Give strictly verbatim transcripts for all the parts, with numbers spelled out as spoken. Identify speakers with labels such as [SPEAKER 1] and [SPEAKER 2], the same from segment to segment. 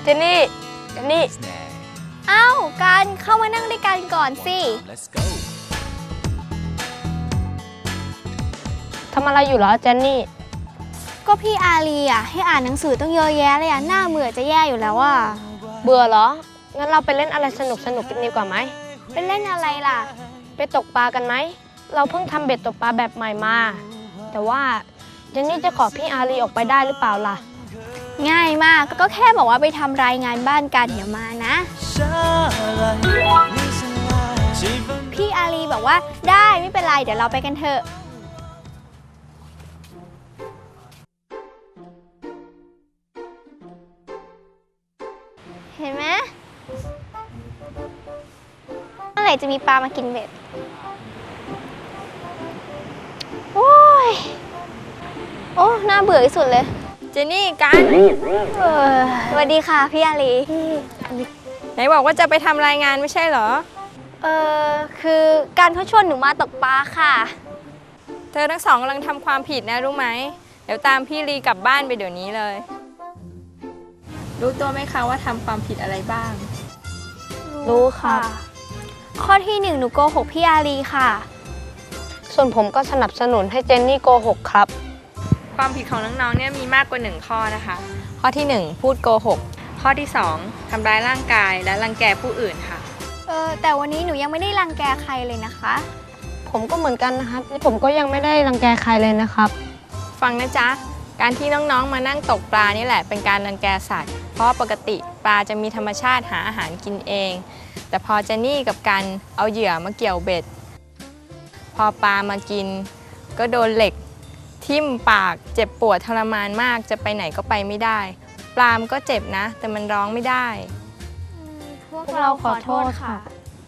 [SPEAKER 1] เจนนี่เจนนี่
[SPEAKER 2] เอ้ากันเข้ามานั่งด้วยกันก่อนสิ
[SPEAKER 1] ทำอะไรอยู่เหรอเจนนี่
[SPEAKER 2] ก็พี่อารีอ่ะให้อ่านหนังสือต้องเยอะแยะเลยอ่ะหน้าเบื่อจะแย่อยู่แล้วอ่ะ
[SPEAKER 1] เบื่อเหรองั้นเราไปเล่นอะไรสนุกสนุกกันดีกว่าไหม
[SPEAKER 2] ไปเล่นอะไรล่ะ
[SPEAKER 1] ไปตกปลากันไหมเราเพิ่งทำเบ็ดตกปลาแบบใหม่มาแต่ว่าเจนนี่จะขอพี่อารีออกไปได้หรือเปล่าล่ะ
[SPEAKER 2] ง่ายมากก็แค่บอกว่าไปทำรายงานบ้านกันเดี๋ยวมานะพี่อารีบอกว่าได้ไม่เป็นไรเดี๋ยวเราไปกันเถอะเห็นไหมเมื่อไหร่จะมีปลามากินเบ็ดโอ้ยโอ้น่าเบื่อที่สุดเลย
[SPEAKER 3] เจนนี่กัน
[SPEAKER 2] สวัสดีค่ะพี่อารี
[SPEAKER 3] ไหนบอกว่าจะไปทำรายงานไม่ใช่เหรอ
[SPEAKER 2] เออคือการเขาชวนหนูมาตกปลาค่ะ
[SPEAKER 3] เธอทั้งสองกำลังทำความผิดนะรู้ไหมเดี๋ยวตามพี่ลีกลับบ้านไปเดี๋ยวนี้เลยรู้ตัวไหมคะว่าทำความผิดอะไรบ้าง
[SPEAKER 1] รู้ค่ะ
[SPEAKER 2] ข้อที่หนึ่งหนูโกหกพี่อารีค่ะ
[SPEAKER 1] ส่วนผมก็สนับสนุนให้เจนนี่โกหกครับ
[SPEAKER 3] ความผิดของน้องๆเนี่ยมีมากกว่าหนึ่งข้อนะคะข้อที่หนึ่งพูดโกหกข้อที่สองทำร้ายร่างกายและรังแกผู้อื่นค่ะ
[SPEAKER 2] เออแต่วันนี้หนูยังไม่ได้รังแกใครเลยนะคะ
[SPEAKER 1] ผมก็เหมือนกันนะครับผมก็ยังไม่ได้รังแกใครเลยนะครับ
[SPEAKER 3] ฟังนะจ๊ะการที่น้องๆมานั่งตกปลานี่แหละเป็นการรังแกสัตว์เพราะปกติปลาจะมีธรรมชาติหาอาหารกินเองแต่พอเจนนี่กับกันเอาเหยื่อมาเกี่ยวเบ็ดพอปลามากินก็โดนเหล็กทิ่มปากเจ็บปวดทรมานมากจะไปไหนก็ไปไม่ได้ปลามก็เจ็บนะแต่มันร้องไม่ได้
[SPEAKER 2] พวกเราขอโทษค่ะ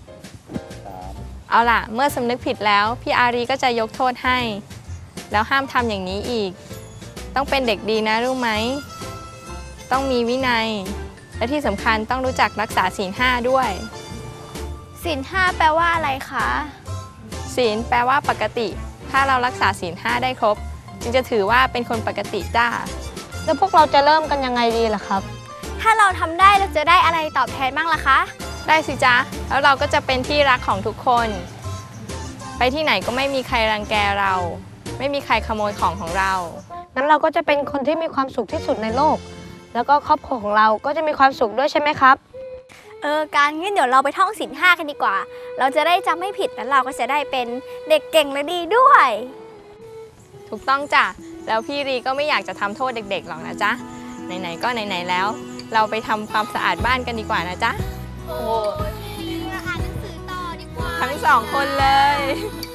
[SPEAKER 3] เอาล่ะเมื่อสำนึกผิดแล้วพี่อารีก็จะยกโทษให้แล้วห้ามทำอย่างนี้อีกต้องเป็นเด็กดีนะรู้ไหมต้องมีวินัยและที่สำคัญต้องรู้จักรักษาศีลห้าด้วย
[SPEAKER 2] ศีลห้าแปลว่าอะไรคะ
[SPEAKER 3] ศีลแปลว่าปกติถ้าเรารักษาศีลห้าได้ครบจึงจะถือว่าเป็นคนปกติจ้า
[SPEAKER 1] แล้วพวกเราจะเริ่มกันยังไงดีล่ะครับ
[SPEAKER 2] ถ้าเราทำได้เราจะได้อะไรตอบแทนบ้างล่ะคะ
[SPEAKER 3] ได้สิจ๊ะแล้วเราก็จะเป็นที่รักของทุกคนไปที่ไหนก็ไม่มีใครรังแกเราไม่มีใครขโมยของของเรา
[SPEAKER 1] งั้นเราก็จะเป็นคนที่มีความสุขที่สุดในโลกแล้วก็ครอบครัวของเราก็จะมีความสุขด้วยใช่ไหมครับ
[SPEAKER 2] เออการงั้นเดี๋ยวเราไปท่องศีลห้ากันดีกว่าเราจะได้จำไม่ผิดแล้วเราก็จะได้เป็นเด็กเก่งและดีด้วย
[SPEAKER 3] ถูกต้องจ้ะแล้วพี่รีก็ไม่อยากจะทำโทษเด็กๆหรอกนะจ๊ะไหนๆก็ไหนๆแล้วเราไปทำความสะอาดบ้านกันดีกว่านะจ๊ะ
[SPEAKER 2] โอ้ยอ่านหนังสือต่อดีกว่า
[SPEAKER 3] ทั้งสองคนเลย